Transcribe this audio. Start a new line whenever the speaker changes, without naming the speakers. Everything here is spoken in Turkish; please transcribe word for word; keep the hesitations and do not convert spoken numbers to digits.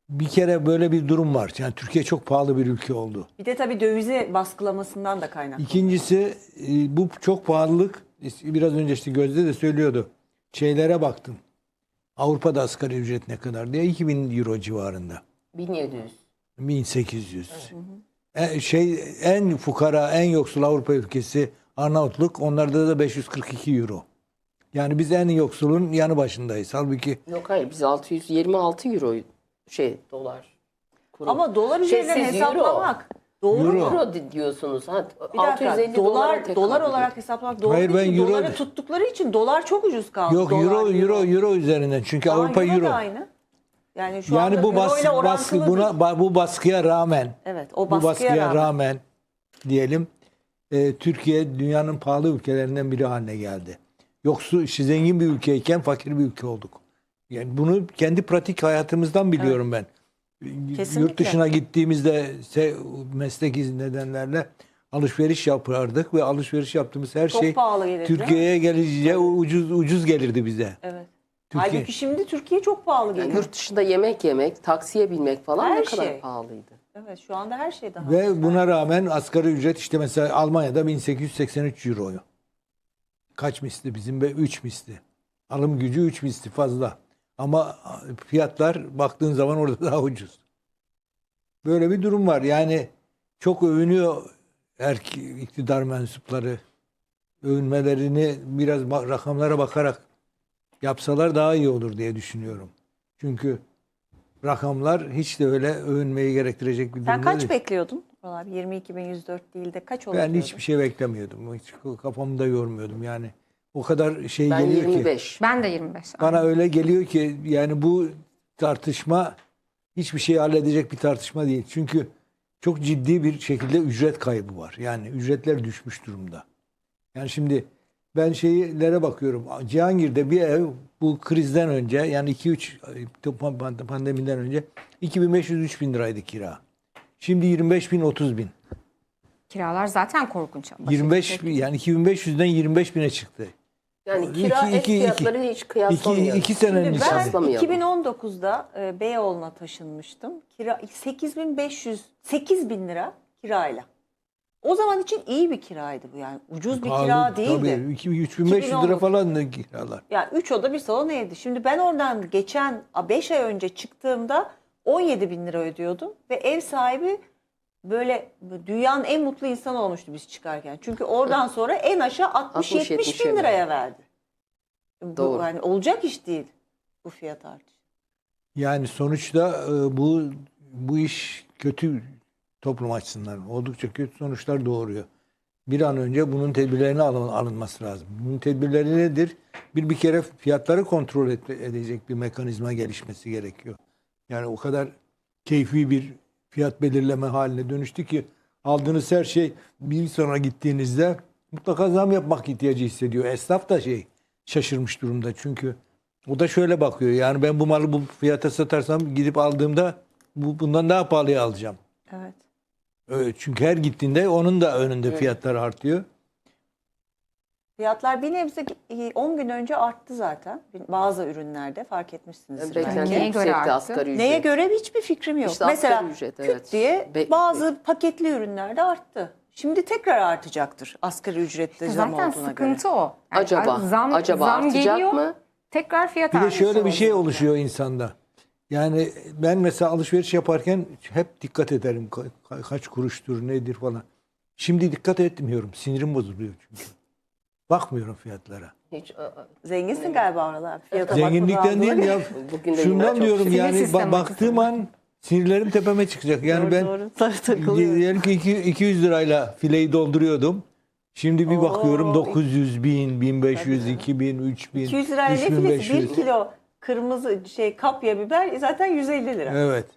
bir kere böyle bir durum var. Yani Türkiye çok pahalı bir ülke oldu.
Bir de tabii dövizi baskılamasından da kaynaklı.
İkincisi e, bu çok pahalılık, biraz önce işte Gözde de söylüyordu. Şeylere baktım. Avrupa'da asgari ücret ne kadar diye, iki bin euro civarında.
bin yedi yüz.
bin sekiz yüz. Evet. E, şey en fukara, en yoksul Avrupa ülkesi Arnavutluk. Onlarda da beş yüz kırk iki euro. Yani biz en yoksulun yanı başındayız. Halbuki
Yok hayır, biz altı yüz yirmi altı euro şey dolar. Kuru.
Ama dolar
Şey,
üzerinden
siz
hesaplamak doğru
Euro.
mu?
Euro di- diyorsunuz. Ha,
Bir
altı yüz
dakika,
elli
dolar
tekabül
dolar
ediyor.
olarak hesaplamak doğru
Hayır,
değil
ben
ki.
euro-
Doları tuttukları için dolar çok ucuz kaldı.
yok,
Dolar,
euro euro euro üzerinden. Çünkü
Ama
Avrupa
euro.
euro.
da aynı. Yani şu
Yani
anda
bu
euro
baskı,
ile
baskı
orantılı
buna
değil.
ba- bu baskıya rağmen
Evet, o
bu
baskıya,
baskıya
rağmen.
rağmen, diyelim e, Türkiye dünyanın pahalı ülkelerinden biri haline geldi. Yoksul, işte zengin bir ülkeyken fakir bir ülke olduk. Yani bunu kendi pratik hayatımızdan biliyorum ben.
Kesinlikle.
Yurt dışına gittiğimizde se- meslek nedenlerle alışveriş yapardık ve alışveriş yaptığımız her
Çok
şey
pahalı gelirdi.
Türkiye'ye gelince ucuz ucuz gelirdi bize.
Evet.
Türkiye.
Halbuki şimdi Türkiye çok pahalı
Yani
geliyor.
yurt dışında yemek yemek, taksiye binmek falan
Her
ne kadar
şey.
pahalıydı.
Evet, şu anda her şey daha.
Ve buna rağmen asgari ücret işte mesela Almanya'da bin sekiz yüz seksen üç euroyu. Kaç misli bizim? üç misli. Alım gücü üç misli fazla. Ama fiyatlar baktığın zaman orada daha ucuz. Böyle bir durum var. Yani çok övünüyor erki, iktidar mensupları. Övünmelerini biraz ba- rakamlara bakarak yapsalar daha iyi olur diye düşünüyorum. Çünkü rakamlar hiç de öyle övünmeyi gerektirecek bir
Sen
durumda
kaç
değil.
bekliyordun? Vallahi yirmi iki bin yüz dört değil de kaç olur
Ben
diyordun?
hiçbir şey beklemiyordum. Hiç kafamda yormuyordum yani. O kadar şey
Ben
geliyor ki.
yirmi beş.
Ben de yirmi beş.
Bana öyle geliyor ki yani bu tartışma hiçbir şeyi halledecek bir tartışma değil. Çünkü çok ciddi bir şekilde ücret kaybı var. Yani ücretler düşmüş durumda. Yani şimdi ben şeylere bakıyorum. Cihangir'de bir ev bu krizden önce, yani iki üç pandemiden önce iki bin beş yüz üç bin liraydı kira. Şimdi yirmi beş bin otuz bin.
Kiralar zaten korkunç. Başka
yirmi beş
bir
bin,
şey.
yani iki bin beş yüzden yirmi beş bine çıktı.
Yani kira
İki-
ev
iki-
fiyatları hiç
İki,
kıyaslamıyoruz.
iki senenin
Şimdi
içinde.
ben
Kıyaslamayalım.
iki bin on dokuzda e, Beyoğlu'na taşınmıştım. Kira sekiz bin beş yüz sekiz bin lira kirayla. O zaman için iyi bir kiraydı bu yani. Ucuz bir
Pahalı,
kira değildi.
Tabii, iki- üç bin beş yüz
iki bin on
lira
dokuz.
falan da kiralar.
Yani üç oda bir salon evdi. Şimdi ben oradan geçen beş ay önce çıktığımda on yedi bin lira ödüyordum. Ve ev sahibi böyle dünyanın en mutlu insanı olmuştu biz çıkarken. Çünkü oradan sonra en aşağı altmış yetmiş bin liraya verdi. Bu
Doğru.
yani olacak iş değil bu fiyat artışı.
Yani sonuçta e, bu bu iş kötü, toplum açısından oldukça kötü sonuçlar doğuruyor. Bir an önce bunun tedbirlerine alın, alınması lazım. Bunun tedbirleri nedir? Bir bir kere fiyatları kontrol et, edecek bir mekanizma gelişmesi gerekiyor. Yani o kadar keyfi bir fiyat belirleme haline dönüştü ki aldığınız her şey bir sonra gittiğinizde mutlaka zam yapmak ihtiyacı hissediyor. Esnaf da şey şaşırmış durumda çünkü o da şöyle bakıyor. Yani ben bu malı bu fiyata satarsam gidip aldığımda bu, bundan daha pahalıya alacağım.
Evet.
Evet, çünkü her gittiğinde onun da önünde
Evet.
fiyatlar artıyor.
Fiyatlar bir nebze on gün önce arttı zaten. Bazı ürünlerde fark etmişsiniz.
Beklenti
Neye göre
yüksekti
arttı?
asgari ücret.
Neye göre hiçbir fikrim yok.
İşte asgari
Mesela
ücret,
küt
evet.
diye
Be-
bazı paketli ürünlerde arttı. Şimdi tekrar artacaktır asgari ücrette zam
Zaten
olduğuna
sıkıntı
göre.
o. Yani
Acaba
zam,
acaba
zam
artacak
geliyor,
mı?
tekrar fiyat
Bir de
artışı
şöyle bir şey
oluyor.
oluşuyor insanda. Yani ben mesela alışveriş yaparken hep dikkat ederim. Ka- ka- kaç kuruştur, nedir falan. Şimdi dikkat etmiyorum. Sinirim bozuluyor çünkü. Bakmıyorum fiyatlara.
Hiç, ı- ı-
Zenginsin galiba oralar. Fiyata
Zenginlikten
bakmadan
değil
böyle.
ya.
Bugün de
Şundan
yine çok
diyorum
sinir
yani
sistemi
ba- baktığım an sinirlerim tepeme çıkacak. Yani
Doğru,
ben
doğru. Sarı takılıyorum.
diyelim ki iki- 200 lirayla fileyi dolduruyordum. Şimdi bir
Oo,
bakıyorum dokuz yüz, bin, bin beş yüz,
Tabii.
iki bin, üç bin,
iki yüz liraya ne
üç bin beş
filesi?
yüz.
bir kilo kırmızı şey kapya biber zaten yüz elli lira.
Evet.